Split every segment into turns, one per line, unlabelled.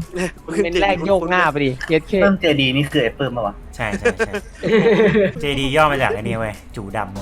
เป็นแรกโยกหน้าไปดิเย็ดเค
เพิ่มเจดีนี่คือไอ้เพิ่มมาวะ
ใช่เจดีย่อมาจากไอ้นี่เว้ยจูดำ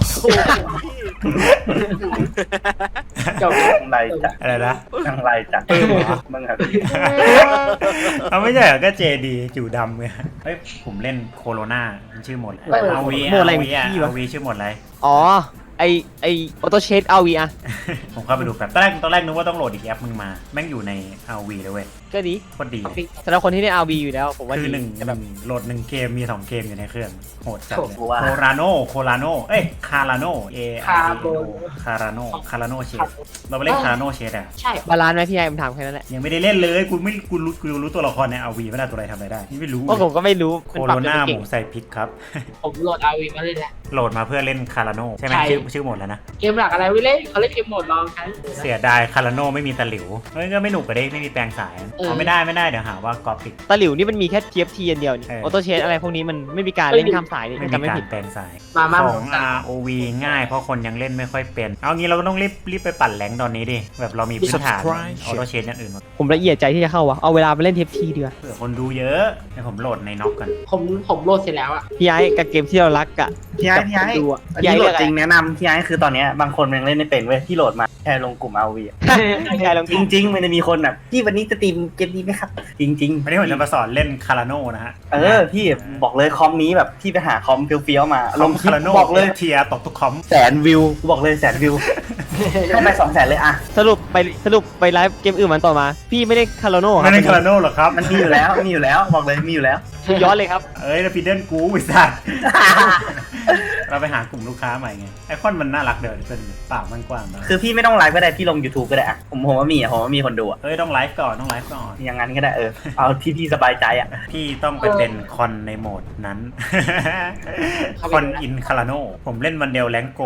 จบ
จังไรจัด
อะไรนะ
จังไรจัดมึงครับ
เอาไม่ใช่เหรอก็เจดีจูดำไงเฮ้ยผมเล่นโคโรนามันชื่อหมดเอาวีเอาวีชื่อหมดอะไร
อ๋อไอออโต้เชดเอาวีอะ
ผมเข้าไปดูแบบตอนแรกนึกว่าต้องโหลดอีกแอปมึงมาแม่งอยู่ใน RV เลยเว้ย
ก็ดี
โคตรดี
สำหรับคนที่เล่นเอาวีอยู่แล้วผมว่า
คือ
ดี
หนึ่ง
แต่แบบ
โหลด1 เกมมี2 เกมอยู่ในเครื่องโหดจัดเลย
โอ้โหว่า
โคราโนเอ้ยคาราโนคาราโนเชดเราไปเล่นคาราโนเชดอ่ะ
ใช่
บาลานซ์ไหมพี่ไอ้ผมถามแค่นั้นแหละ
ยังไม่ได้เล่นเลยกูรู้ตัวละครใน RV ไม่ได้ตัวอะไรทำอะไรได้นี่ไม่รู้
เพราะผมก็ไม่รู้
โคโรนาหมูใส่พริกครับ
ผมโหลดอาวีมาเล่นแล้ว
โหลดมาเพื่อเล่นคาราโนใช่ไหม
ใช่
ชื่อหมดแล้วนะ
เกมหลักอะไรไม่เล่นเขาเล่นเกมโหมดลองกัน
เสียดายคาราโนไม่มีตะหลิวเฮ้ยก็ไม่หนุกกระเด้ไม่มีแปลงสายเอาไม่ได้เดี๋ยวหาว่ากอปิด
ตะหลิวนี่มันมีแค่ TFT อันเดียวนี่
เออ
ออโต้เชดอะไรพวกนี้มันไม่มีการเล่นข้ามสายนี่
ไม่
จำ
มี
ไม่
กา
ผิ
ร
ด
แปลงสาย
มา
ของ ROV ง่ายเพราะคนยังเล่นไม่ค่อยเป็นเอางี้เราก็ต้องรีบไปปั่นแหลงตอนนี้ดิแบบเรามีพื้นฐานออโต้เชนอย่างอื่นหมด
ผมละเอียดใจที่จะเข้าวะเอาเวลาไปเล่น TFT ดีกว่า
เผื่อคนดูเยอะให้ผมโหลดในน็อกกัน
ผมโหลดเสร็จแล้วอะ
พี่ไอ้กับเกมที่เรารักอะ
พี่ไอ้พี่ไอ้
ดูอะ
อัน
พี่
นี้
ไอ้
โหล
เลือ
ด
กอะ
จ
ไร
ริงแนะนำพี่ไอ้คือตอนเนี้ยบางคนมันยังเล่นไม่เป็นเว้ยที่โหลดมาแค่ลงกลุ่มเอาวี
พี่ไอ้ลอง
จริงๆมันจะมีคนแบบพี่วันนี้จะตีมเกมนี้ไหมครับ จริง
วันนี้ผมจะมาสอนเล่นคาราโนนะฮะ
ๆพี่บอกเลยคอมนี้แบบพี่ไปหาคอมเฟี้ยวๆมาลงคลิป
คาราโน
บอกเลย
เทียตกทุกคอม
100,000 วิวบอกเลย100,000 วิวให้ไป200,000เลยอะ
สรุปไปไลฟ์เกมอื่นมันต่อมา พี่ไม่ได้คาร์โลโน่ค
ไม่
รับ
เล่นคาราโนหรอครับ
มันมีอยู่แล้วบอกเลยมีอยู่แล้ว
คือย้อนเลยครับ
เอ้ยแล้วพีเดิลกูไอ้สัส เราไปหากลุ่มลูกค้าใหม่ไงไอคอนมันน่ารักเดี๋ยวเป็นปากมันกว้างนะ
คือพี่ไม่ต้องไลฟ์ก็ได้พี่ลง YouTube ก็ได้อะผมว่ามีคนดูอะ
เอ้ยต้องไลฟ์ก่อน
อย่างนั้นก็ได้เอาที่พี่สบายใจอะ
พี่ต้องไปเป็นคอนในโหมดนั้น คอนอินคาราโนผมเล่นวันเดียวแรงโก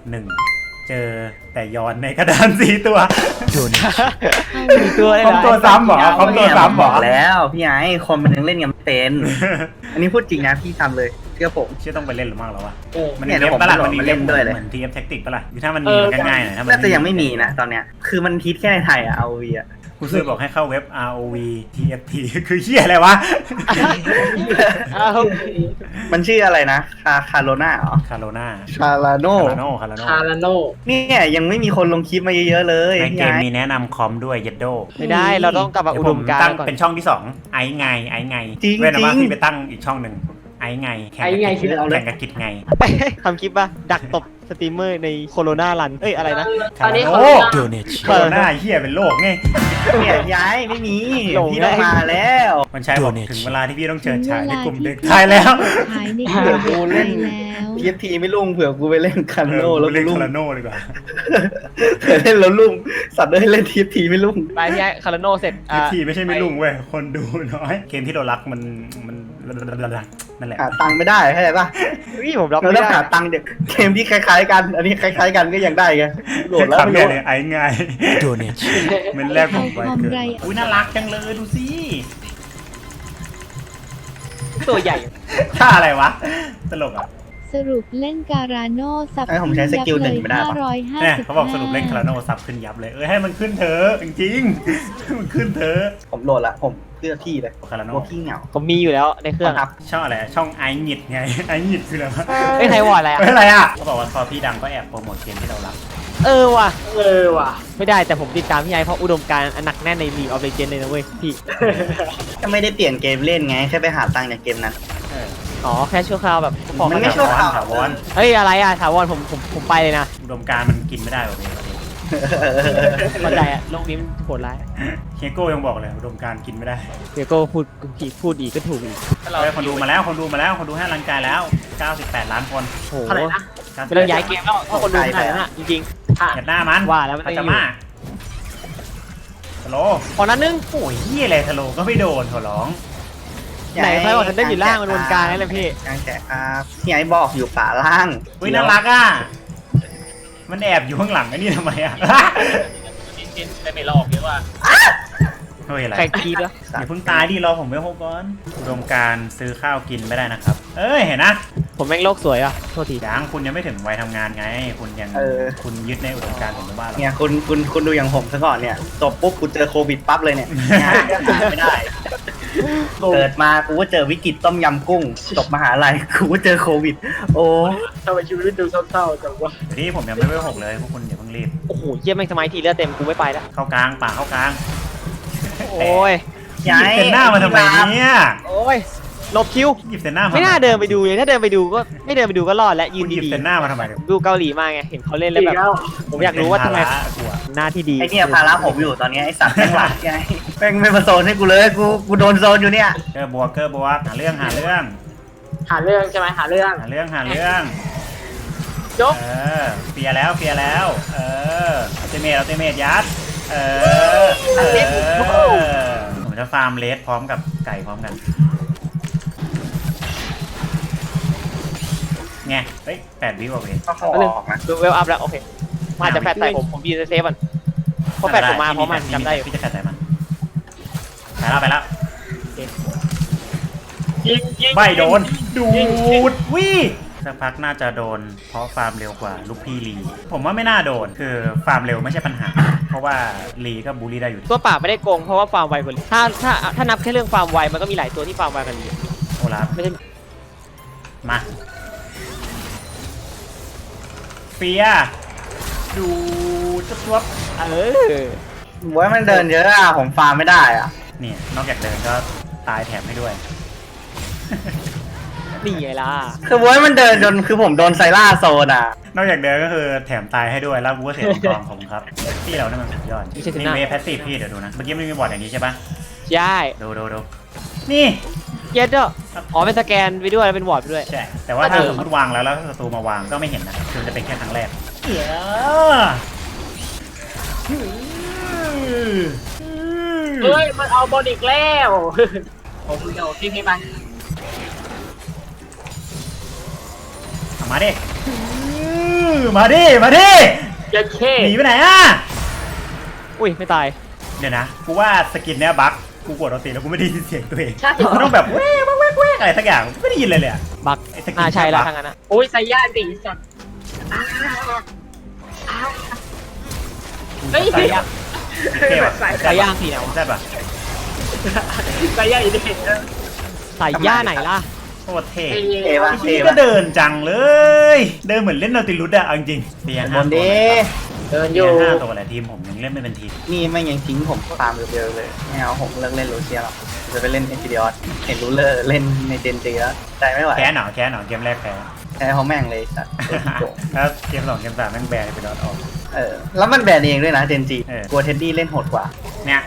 1เจอแต่ย้อนในกระดาน4 ตัว
มีตัวเลย
คอม
นะ
ตัวซ้ำเหรอคอมตัวซ้ำเหร
บ
อ
อกแล้วพี่ไอ้คนมันยังเล่นกันไม่เป็น อันนี้พูดจริงนะพี่ทำเลยเชื่อผม
เชื่อต้องไปเล่นหรือมั่งแล้ววะ มัน
เนี่
มี
ย
เว็บปะล่ะ
เดี๋ยวผม
มันมี
มาเล่
เว็บ
นด้วยเลย
เหมือนทีเอฟแท็กติกปะล่ะอยู่ถ้ามันมีมันก็ง่ายหน่อยถ้ามัน
น่าจะยังไม่มีนะตอนเนี้ยคือมันฮิตแค่ในไทยอะเอาวีอะ
กูซื้อบอกให้เข้าเว็บ ROV TFT คือเหี้ยอะไรวะ
อ้าว
มันชื่ออะไรนะคาโรนาเหรอ
คาโรนา
คาราโน
คาราโน
คาราโน
เนี่ยยังไม่มีคนลงคลิปมาเยอะๆเลย
ในเก
พี่
ม
ไอ้
มีแนะนำคอมด้วยเยดโด
ไม่ได้เราต้องกลับมาอุดมการ
ตั้ง
ณ์ก่อน
เป็นช่องที่2ไอ้ไงเว้นว่าพี่ไปตั้งอีกช่องหนึ่งไอ้ไงแข่งกับกิจไง
ทำคลิปป่ะดักตบสตรีมเมอร์ในโคโรนารันเอ้ยอะไรนะ
ตอนนี้
โอ้
เขา
โคโรนาเหี้ยเป็นโรคไง
เนี่ยย้ายไม่มี
หลง
พี่ต้องมาแล้ว
มันใช้บอกถึงเวลาที่พี่ต้องเชิญฉายในกลุ่มเด็กไทยแล้ว
ขายในกลุ่มเด็กไทยแล้ว
พีเอฟทีไม่ลุ่งเผื่อกูไปเล่นคาโนแล้ว
เล่น
ลุ่ง
คาราโนดีกว่า
เผื่อเล่นแล้วลุ่งสัตว์ได้เล่นทีเอฟทีไม่ลุ่ง
ไปพี่ไอ้คาร์โลโน่เสร็จ
ทีไม่ใช่ไม่ลุงเว้ยคนดูน้อยเกมที่เรารักมันนั่นแหละ
หาตังค์ไม่ได้เข้าใจปะ
พี่ผมรับ
เรา
ไม่
ต้อง
ได้
หาตังค์เดี๋ยวเกมที่คล้ายๆกัน อันนี้คล้ายๆกันก็ยังได้ไงโหลดแล้ว
คำ
ไม่
เนี่ย
รู้
เลยไอ้ง่ายมันแรกผมไปเกิดอุ้ยน่ารักจังเลยดูสิ
ตัวใหญ่
ท่าอะไรวะตลกอ่ะ
สรุปเล่นการาโน่สับ
ไอ้ผมใช้สกิลหนึ่งไม่ได้ปะ
เนี่ยเขาบอกสรุปเล่นคาราโนซับขึ้นยับเลยให้มันขึ้นเถอะจริงๆมันขึ้นเถอะ
ผมโหลดละผมเพื่อพี่เลย
คาราโน
กลัวพี่เหงา
ผมมีอยู่แล้วในเครื่อง
ครับ
ช่องอะไรช่องไอหงิดไงไอหงิดคืออะไรวะ
เอ้ยไทยวอร์ดอะไรอ่ะ
อะไรอ่ะเขาบอกว่าพอพี่ดังก็แอบโปรโมทเกมที่เรารัก
เออว่ะ
ว่ะ
ไม่ได้แต่ผมติดตามพี่ไอ้เพราะอุดมการณ์อันหนักแน่นใน League of Legends เลยนะเว้ยพี่
ก็ไม่ได้เปลี่ยนเกมเล่นไงแค่ไปหาตังค์จากเกมนั้น
อ๋อแค่ชั่วคราวแบบขอ
มันไม่
กัน
ชั่วคราว
ถาวร
เฮ้ยอะไรอ่ะถาวรผมไปเลยนะ
อุดมการณ์มันกินไม่ได้แบบนี้
เข้าใจอ่ะโลกนี้มันโหดร้าย
เฮโก้ยังบอกเลยอุดมการณ์กินไม่ได้
เดี๋ยวก็พูดผิดพูดอีกก็ถูกอีก
เฮ้ยคนดูมาแล้วคนดูให้รังกายแล้ว 98 ล้านคน
โห
เท่าไหร่นะ
ไม่ต้องย้ายเกมแล้วถ้าคนดูขนาดนั้นอ่ะจริง
เหยียดหน้ามัน
ว่าแล้วมัน
อา
ต้อง
จ
อยู่
จะมาสโล
ๆขอนั้นนึง
โอ้ยเฮียอะไรสโลก็ไม่โดนขอร้อง
ไหนใครบอกฉันได้อยู่ล่างมันบนกลางนั่นแหละพี่
กลางแจกครับพี่ไอ้บอกอยู่ป่าล่าง
อุ้ยน่ารักอ่ะมันแอบอยู่ข้างหลังไอ้นี่ทำไมอ่ะ
ได้ไม่ลอกเยอะว่า
เฮ้ยอะไร
ใครคีดวะ
อย่าเพิ่งตายดิรอผมไม่พบก่อนอุดมการณ์ซื้อข้าวกินไม่ได้นะครับ เอ้ยเห็นนะ
ผมแม่งโลกสวยอ่ะโทษที
ยังคุณยังไม่ถึงวัยทำงานไง คุณยังคุณยึดในอุดมการณ์ผมไม่ว่าหรอก
เนี่ยคุณดูอย่างผมซะก่อนเนี่ยจบปุ๊บกูเจอโควิดปั๊บเลยเนี่ยงานก็หาไม่ได้เกิดมากูก็เจอวิกฤตต้มยำกุ้งจบมหาลัยกูก็เจอโควิด โอ้
ทำไมชีวิตดูเศร้าๆจังวะ
เดี๋ยวที่ผมยังไม่เวล6เลยพวกคุณอย่าเพิ่งรีบ
โอ้โหเยี่ยมแม่งสมัยทีเลือดเต็มกูไม่ไปแล้ว
เข้ากลางป่าเข้ากลาง
โอ้ย
หยิบเซนหน้ามาทำไมเนี่ย
โอ้ยหลบคิว
หยิบเซนหน้ามา
ไม่น่าเดินไปดูเลยถ้าเดินไปดูก็ไม่เดินไปดูก็รอดและยื
คุณ
น
หยิบ
ดี
เซนหน้ามาทำไมเนี่ย
ๆดูเกาหลีมากไงเห็นเขาเล่นแล้ว
อี
แบ
ก
บ
แล้ว
ผมอยากรู้ว่าทำไม
เป็นภระกลัว
หน้าที่ดี
ไอเนี่ยภาระผมอยู่ตอนนี้ไอสัตว์แม่งหลักไงแม่งไม่มาโซนให้กูเลยกูโดนโซนอยู่เนี่ย
เกอร์บวกหาเรื่อง
หาเรื่องใช่ไหมหาเรื่อง ยก
เฟียร์แล้วอัลติเมทยัดผมจะฟาร์มเลสพร้อมกับไก่พร้อมกันไงเฮ้ย8 วิว่ะเว้ย
ก็ขอออกนะ
ดูเวลอัพแล้วโอเคมาจะแฟดใส่ผมยืนเซฟมันเพราะแฟดผมมาเพราะมันจำได้อยู่
พี่จะแฟดใส่มันไปแล้ว
ยิง
ไม่โดนดูดวิสักพักน่าจะโดนเพราะฟาร์มเร็วกว่าลูกพี่ลีผมว่าไม่น่าโดนคือฟาร์มเร็วไม่ใช่ปัญหา เพราะว่าลีก็บูลลี่ได้อยู่
ตัวป่าไม่ได้โกงเพราะว่าฟาร์มไวกว่าลีถ้านับแค่เรื่องฟาร์มไวมันก็มีหลายตัวที่ฟาร์มไวกันลี
โอลาฟ
ไม่ใช่
มาเฟียดูจุ๊บ
เออ
บวยมันเดินเยอะอะผมฟาร์มไม่ได้อะ
เนี่ยนอกจากเดินก็ตายแถมให้ด้วย
นี่ไงล่ะ
คือบวยมันเดินจนคือผมโดนไซล่าโซนอ่ะ
นอกจากเดินก็คือแถมตายให้ด้วยแล้วกูก็เสียกองผมครับพี่เราเนี่ยมันสุดยอดนี่เวฟแพสซีฟพี่เดี๋ยวดูนะเมื่อกี้ไม่มีบอร์ดอย่างนี้ใช่ปะ
ใช่
ดูนี่
เย็ดด้วยอ๋อเป็นสแกนไปด้วยแล้วเป็นวอร์ดไปด้วย
ใช่แต่ว่าถ้าสมมติวางแล้วศัตรูมาวางก็ไม่เห็นนะคือมันจะเป็นแค่ครั้งแรก
เฮ้ยมันเอาบอลอีกแล้วผมเดี๋ยวทิ้งให้มัน
มาดิ
ยัดเข้
หนีไปไหนอ่ะ
อุ้ยไม่ตาย
เดี๋ยวนะกูว่าสกินเนี้ยบั๊กกูกดเอาตีแล้วกูไม่ได้ยินเสียงตัวเอง
ใช่
กูต้องแบบแว่อะไรสักอย่างไม่ได้ยินเลยอ่ะ
บัก
ไอ้สกิน
น่าใช่แล้ว
บั๊ก
ทางนั้นนะ
โอ้ยไซย่าตีสัตว์เฮ้ย
ใส่ยากเท่ว่ะ
ใส่ย่างสีไหนวะ
ใช่ป่ะ
ไซย่าอีกเด็ก
ใส่ย่าไหนล่ะ
โคตรเท่
เอวะ
นี่ก็เดินจังเลย เดินเหมือนเล่นนาติลุสอะเอาจริงๆเตียง
บนดี
เดินอ
เตีย
ยู่
ง5 ตัวแหละทีมผมยังเล่นไม่เป็นทีม
นี่ไม่งยังทิ้งผมฟาร์มเดียวๆเลยไม่เอาผมเลิกเล่นโรเซียหรอกจะไปเล่นเอจิเดียสเห็นรูเลอร์เล่นในเจนจีแล้วใจไม่ไหว
แค่หนอเกมแรกแพ้
แพ้เขาแม่งเลยสัตว์โกง
แล้วเกม 2 เกม 3แม่งแบนไปดอทออก
แล้วมันแบนเองด้วยนะเจนจี
เออ
กลัวเท็ดดี้เล่นโหดกว่า
เนี่ย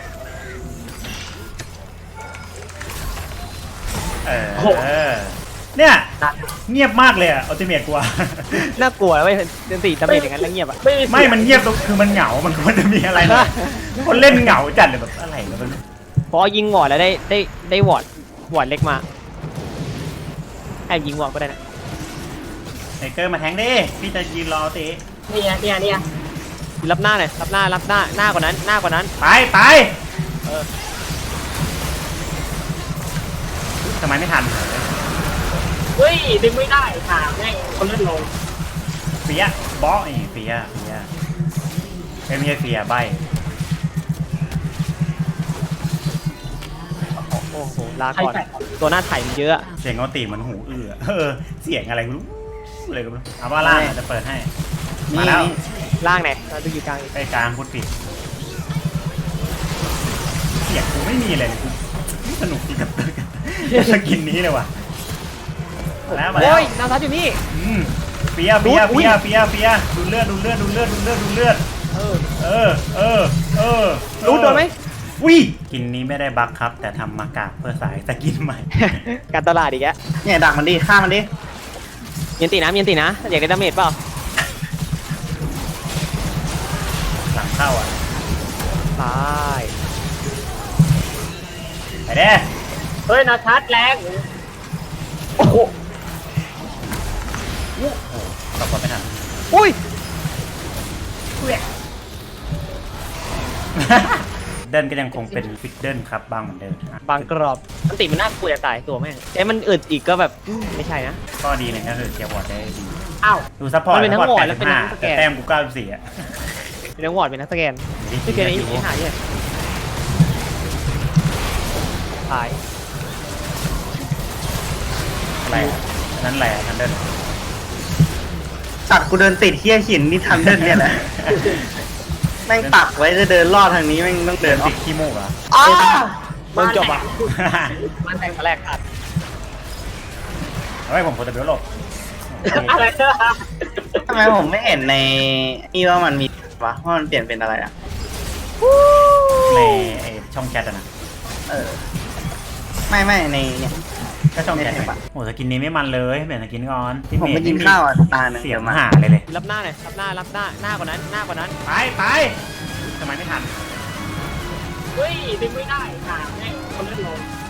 เนี่ยเงียบมากเลยอะอัลติเมทกว่า
น่ากลัวแล้วเว้ยเดินตีดาเมจอย่างนั้นแล้วเงียบอ่ะ
ไม่มันเงียบตรงคือมันเหงา มันควรจะมีอะไรนะคนเล่นเหงาจัดเลยแบบอะไรก็ไม่รู้
พอยิงวอร์ดแล้วได้วอร์ดเล็กมาแอบยิงวอร์ดก็ได้นะ
ไทเกอร์มาแทงดิพี่จะยืนรอตี
เนี่ย
รับหน้าหน่อยรับหน้ากว่านั้น
ไป
เออ
ทำไมไม่ทัน
เฮ้ยดึงไม่ได้ค่ะแม่งคนเล่นลง
เฟียบอสนี่เฟียไม่ใช่เฟียใบ
โอ้โหลาก่อนตัวหน้าไถ่มันเยอะ
เสียงเอาตีมันหูเสียงอะไรไม่รู้เลยก็ไม่รู้เอาว่าล่างจะเปิดให้มาแล้ว
ล่างไหนเราดูอยู่กลาง
ไปกลางพูดผิดเสียงกูไม่มีเลยกูสนุกดีกับสกินนี้เลยว่ะแล้วมาแล้ว
โอ้ยนาซัดอยู่นี่
เฟียดูเลือด
รู้โดนไหม
วิกินนี้ไม่ได้บั๊กครับ แต่ทำมากากเพื่อสายสกินใหม่
การตลาดอีกแล้ว
เนี่ยดักมันดิฆ่ามันดิ
เมียนตีนะอยากได้ดาเมจเปล่า
หลังเข้าอ่ะ
ตาย
ไปเด้
เฮ้ยนาทัดแรง
โอ้โห
ตบกดไม่ทัน
อุ้ย
เดินก็ยังคงเป็นฟิกเดิลครับบางเหมือนเดิม
บางกรอบมันติมันน่ากลัวจะตายตัวแม่งแต่มันอึดอีกก็แบบไม่ใช่นะ
ก็ดีเลยก็คือเกียร์วอร์ดได้ดี
อ้าว
ดูซัพพอร์ต
มันเป็นทั้งวอร์ดแล้วเป็นทั้งสแกน
แต่แต้มกู94อ่ะ
เป็นนักวอร์ดเป็นนักสแกนที่เกิดนี้หายเนี่ยตาย
อะไรอะนั่นแหละทันเดิน
ตัดกูเดินติดเที่ยหินนี่ทันเดินเนี่ยแหละแม่งปักไว้จะเดินลอดทางนี้แม่งต้อง
เดิ
เดิ
น
นอ
ติ
อก
ดขี้มูกเหรอ
อ้า
มึงจบอ่ะ
มันแต่ง
แรกอัด
เฮ้ยผมควรจะเบี้ยวหลบ
อะไรเนอะ
ทำไมผมไม่เห็นในนี่ว่ามันมีวะว่ามันเปลี่ยนเป็นอะไรอ่ะ
ในไอ้ช่องแชทอะนะ
เออไม่ในเนี่ย
ก็ช่องแชท
ไม่เห็นปะ
โอ้สกินนี้ไม่มันเลยเปลี่ยนสกินก่อน
ผมไปกินข้าวอ่ะตาหนึ่ง
เสีย
เดี๋
ง
ยวมา
หาเลย
รับหน้าหน่อยรับหน้ากว่านั้น
ไปทำไมไม่ทัน
เฮ้ยดึงไม่ได้ค่ะแม่งคนเล่นลง